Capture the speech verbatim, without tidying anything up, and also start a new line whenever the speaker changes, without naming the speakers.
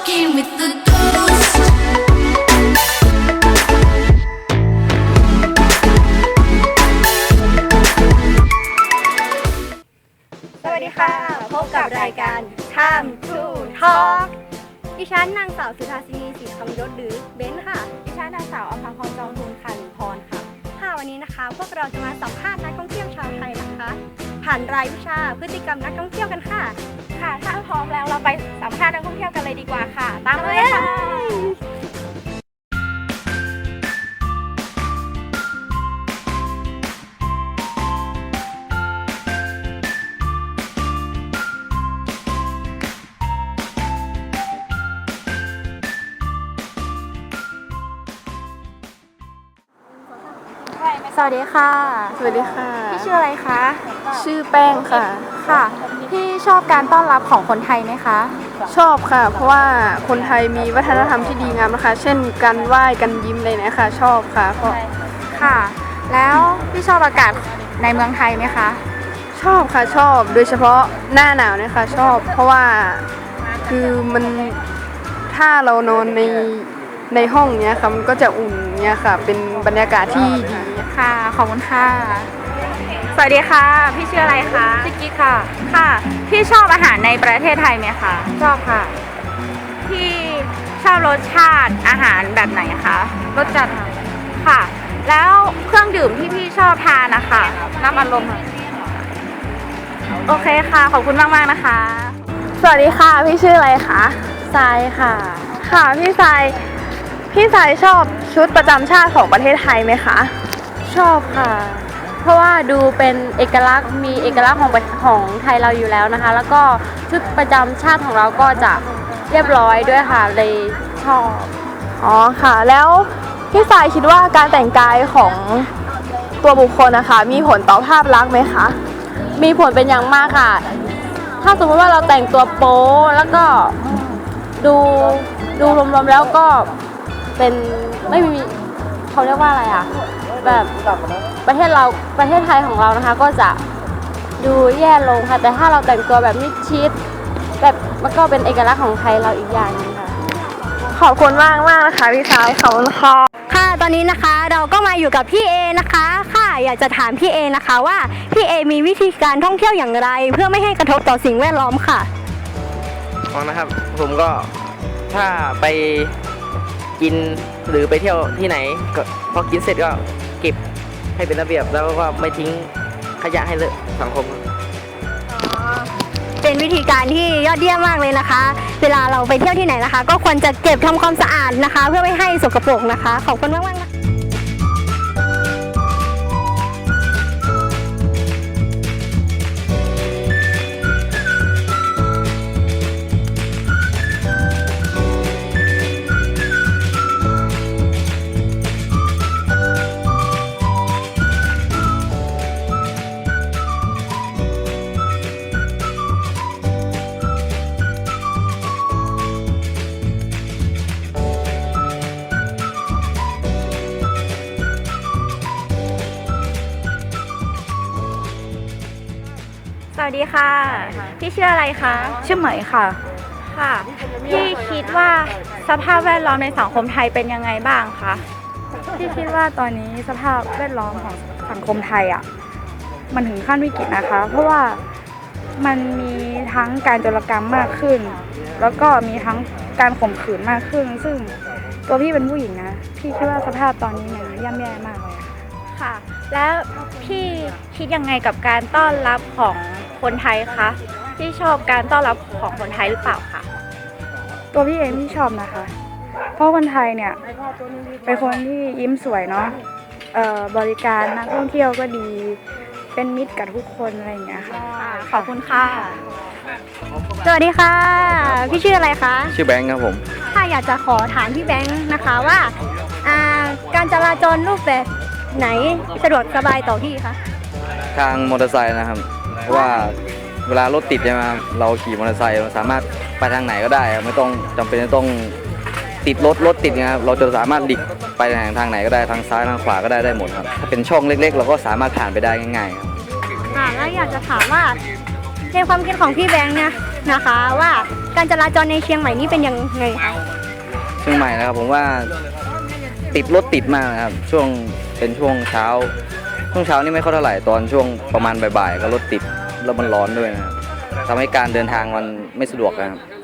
walking with the ghost.
สวัสดีค่ะพบกับรายการ Time to Talk ดิฉันนางสาวสุธาสินีศรีคำยศหรือเบนค่ะดิฉันนางสาวอภพรจองทุนค่ะหรือพรค่ะค่ะวันนี้นะคะพวกเราจะมาสัมภาษณ์นักท่องเที่ยวชาวไทยนะคะผ่านรายวิชาพฤติกรรมนักท่องเที่ยวกันค่ะค่ะถ้าพร้อมแล้วเราไปสัมภาษณ์นักท่องเที่ยวกันเลยดีกว่าค่ะตามมาเลยค่ะสวัสดีค่ะ
สวัสดีค่ะ
พี่ชื่ออะไรคะ
ชื่อแป้งค่ะ
ค่ะพี่ชอบการต้อนรับของคนไทยไหมคะ
ชอบค่ะ เพราะว่าคนไทยมีวัฒนธรรมที่ดีงามนะคะ เช่นการไหว้กันยิ้มอะไรเนี่ยค่ะ ชอบค่ะเพราะ
ค่ะ แล้วพี่ชอบอากาศในเมืองไทยไหมคะ
ชอบค่ะชอบ โดยเฉพาะหน้าหนาวเนี่ยค่ะชอบ เพราะว่าคือมันถ้าเรานอนในในห้องเนี้ยค่ะมันก็จะอุ่นเนี่ยค่ะ เป็นบรรยากาศที่ดี
ค่ะขอบคุณค่ะ สวัสดีค่ะ พี่ชื่ออะไรคะชื่อกิ๊กค่ะ ค่ะ พี่ชอบอาหารในประเทศไทยไหมคะ
ชอบค่ะ
พี่ชอบรสชาติอาหารแบบไหนคะ
รสจัด
ค่ะ แล้วเครื่องดื่มที่พี่ชอบทานนะคะน้ำอัดลมค่ะโอเคค่ะ ขอบคุณมากมากๆนะคะ
สวัสดีค่ะ พี่ชื่ออะไรคะทรายค่ะ ค่ะพี่ทรายพี่ทรายชอบชุดประจำชาติของประเทศไทยไหมคะชอบค่ะ เพราะว่าดูเป็นเอกลักษณ์มีเอกลักษณ์ของของไทยเราอยู่แล้วนะคะ แล้วก็ชุดประจำชาติของเราก็จะเรียบร้อยด้วยค่ะเลยชอบอ๋อค่ะ แล้วพี่ทรายคิดว่าการแต่งกายของตัวบุคคลนะคะมีผลต่อภาพลักษณ์ไหมคะมีผลเป็นอย่างมากค่ะ ถ้าสมมติว่าเราแต่งตัวโป๊แล้วก็ดูดูรวมๆแล้วก็เป็นไม่มีเขาเรียกว่าอะไรอ่ะแบบประเทศเราประเทศไทยของเรานะคะก็จะดูแย่ลงค่ะแต่ถ้าเราแต่งตัวแบบมิดชิดแบบมันก็เป็นเอกลักษณ์ของไทยเราอีกอย่างนึงค่ะขอบคุณมากมากนะคะพี่ชายขอบคุณค่ะค่ะตอนนี้นะคะเราก็มาอยู่กับพี่เอนะคะค่ะอยากจะถามพี่เอนะคะว่าพี่เอมีวิธีการท่องเที่ยวอย่างไรเพื่อไม่ให้กระทบต่อสิ่งแวดล้อมค่ะ
ฟังนะครับผมก็ถ้าไปกินหรือไปเที่ยวที่ไหนก็พอกินเสร็จก็เก็บให้เป็นระเบียบแล้วก็ไม่ทิ้งขยะให้เลอะสังคม
เป็นวิธีการที่ยอดเยี่ยมมากเลยนะคะ เวลาเราไปเที่ยวที่ไหนนะคะ ก็ควรจะเก็บทำความสะอาดนะคะ เพื่อไม่ให้สกปรกนะคะขอบคุณมากมากนะสวัสดีค่ะพี่ชื่ออะไรคะชื่อเหมยค่ะค่ะพี่คิดว่าสภาพแวดล้อมในสังคมไทยเป็นยังไงบ้างคะพี่คิดว่าตอนนี้สภาพแวดล้อมของสังคมไทยอ่ะมันถึงขั้นวิกฤตนะคะเพราะว่ามันมีทั้งการโจรกรรมมากขึ้นแล้วก็มีทั้งการข่มขืนมากขึ้นซึ่งตัวพี่เป็นผู้หญิงนะพี่คิดว่าสภาพตอนนี้มันย่ำแย่มากเลยค่ะแล้วพี่คิดยังไงกับการต้อนรับของคนไทยคะพี่ชอบการต้อนรับของคนไทยหรือเปล่าคะตัวพี่เองพี่ชอบนะคะเพราะคนไทยเนี่ยเป็นคนที่ยิ้มสวยเนาะเอ่อบริการนักท่องเที่ยวก็ดีเป็นมิตรกับทุกคนอะไรอย่างเงี้ยค่ะขอบคุณค่ะสวัสดีค่ะพี่ชื่ออะไรคะ
ชื่อแบงค์ครับผม
ถ้าอยากจะขอถามพี่แบงค์นะคะว่าอ่าการจราจรรูปแบบไหนสะดวกสบายต่อพี่คะ
ทางมอเตอร์ไซค์นะครับเพราะว่าเวลารถติดใช่ไหมครับเราขี่มอเตอร์ไซค์เราสามารถไปทางไหนก็ได้ครับไม่ต้องจำเป็นจะต้องติดรถรถติดนะครับเราจะสามารถหลีกไปทางทางไหนก็ได้ทางซ้ายทางขวาก็ได้ได้หมดครับถ้าเป็นช่องเล็กๆ เราก็สามารถผ่านไปได้ง่ายๆครับ
ค่ะแล้วอยากจะถามว่าในความคิดของพี่แบงค์เนี่ยนะคะว่า
การจราจรในเชียงใหม่นี่เป็นยังไงคะ
เชียงใหม่นะครับผมว่าติดรถติดมากนะครับช่วงเป็นช่วงเช้าช่วงเช้านี่ไม่ค่อยเท่าไหร่ตอนช่วงประมาณบ่ายๆก็รถติดแล้วมันร้อนด้วยนะครับทำให้การเดินทางมันไม่สะดวกนะครับ